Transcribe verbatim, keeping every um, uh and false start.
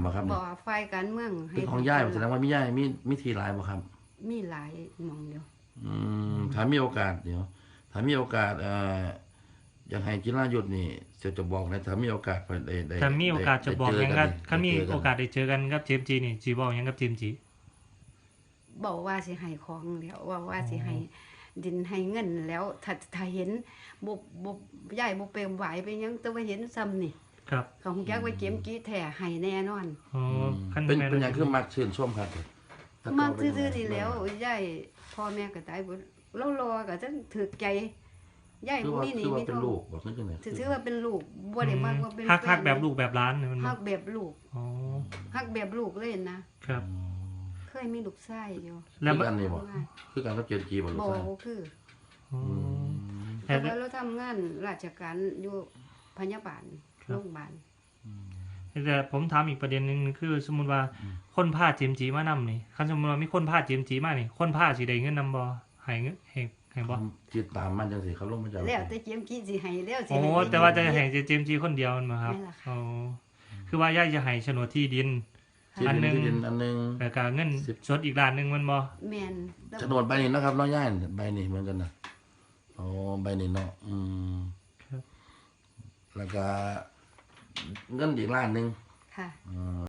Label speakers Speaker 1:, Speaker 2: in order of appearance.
Speaker 1: บ่ครับ
Speaker 2: บ่ฝ่ายการเมือง
Speaker 1: เป็นของย่ายแสดงว่ามีย่ายมีมีทีหลายบ่ครับ
Speaker 2: มีหลายหม่องอยู่
Speaker 1: อืมถ้ามีโอกาสเดี๋ยวถ้ามีโอกาสเอ่ออยากให้จิรายุทธนี่จะจะบอกนะถ้ามีโอกาสได้ได้
Speaker 3: ถ้ามีโอกาสจะบอกหยังก็ถ้ามี
Speaker 1: ได้เจ
Speaker 3: โอกาสได้เจอกันกับเจมส์จีนี่สิบอกหยังกับเจมส์จี
Speaker 2: บอกว่าสิให้ของแล้วว่าว่าสิให้ดินให้เงินแล้วถ้าถ้าเห็นบ่บ่ย้ายบ่เปรมไหวไปหยังแต่ว่าเห็นซ้ำนี่
Speaker 3: ครับ
Speaker 2: เขาคงจักว่าเกมกี้แท้ให้แน่นอน
Speaker 3: อ๋อคัน
Speaker 1: เป็น
Speaker 3: แม่น
Speaker 1: เป็นอย่างคือมักชื่นชมครับถ้
Speaker 2: มัก
Speaker 1: เก่าเป็น
Speaker 2: ซื่อ
Speaker 1: ยังไง
Speaker 2: ๆนี่แล้วย้ายพ่อแม่ก็ตายบ่เรารอก็จังถึกใจย้าย
Speaker 1: คือ
Speaker 2: บ่
Speaker 1: ว่า
Speaker 2: มีหนี่
Speaker 1: คือว่า
Speaker 2: มี
Speaker 1: เป็น
Speaker 2: ทอ
Speaker 1: ลู
Speaker 2: ง
Speaker 1: กบอกนั่นจังได๋
Speaker 2: ถือว่าเป็นลูกบ่ได้มักว่าเป็น
Speaker 3: ฮักฮัก
Speaker 2: ฟน
Speaker 3: แบบลูกแบบร้านเนี่ยมัน
Speaker 2: ฮักแบบลูก
Speaker 3: อ๋อ
Speaker 2: ฮักแบบลูกเลยนะครับ เคยมีลูกชายอยู่
Speaker 3: แล้ว
Speaker 1: คือกันนี่บ่คือกันกับเจนจีบ่ลูก
Speaker 2: บ่
Speaker 1: ชาย
Speaker 2: บ่คือ
Speaker 3: อ๋อ
Speaker 2: แต่ว่าเราทำงานราชการอยู่พยาบาลโรงพยาบาล
Speaker 3: แต่ผมถามอีกประเด็นหนึงคือสมมุติว่าคนพาเจมส์จีมานำนี่คันสมมุติว่ามีคนพาเจมส์จีมานี่คนพาสิได้เงินนำบ่ให้เงินให้ให้บ่
Speaker 1: ติดตามมันจังซี่เขาลงมาจาก
Speaker 2: แล้วแต่เจียมกี้สิให้แล้วสิ
Speaker 3: โอ้
Speaker 2: ให้
Speaker 3: แต่ว่าจะให้เจมส์จีคนเดียวนั่นบ่ครับ
Speaker 2: แม่นล่ะค่ะ
Speaker 3: อ๋อคือว่าย่าจะให้โฉนดที่ดิน
Speaker 1: ที่
Speaker 3: อันหนึ่
Speaker 1: ดิ
Speaker 3: ง
Speaker 1: นที่ดินอันหนึง
Speaker 3: แล้วก็เงินสดอีกล้านหนึงมันบ่
Speaker 2: แม่น
Speaker 1: โฉนดใบนี้นะครับเนาะย่ายใบนี้เหมือนกันนะอ๋อใบนี้เนาะอืม
Speaker 3: ครับ
Speaker 1: แล้วก็เงินอีกล้านหนึง
Speaker 2: ค่ะ
Speaker 1: อืม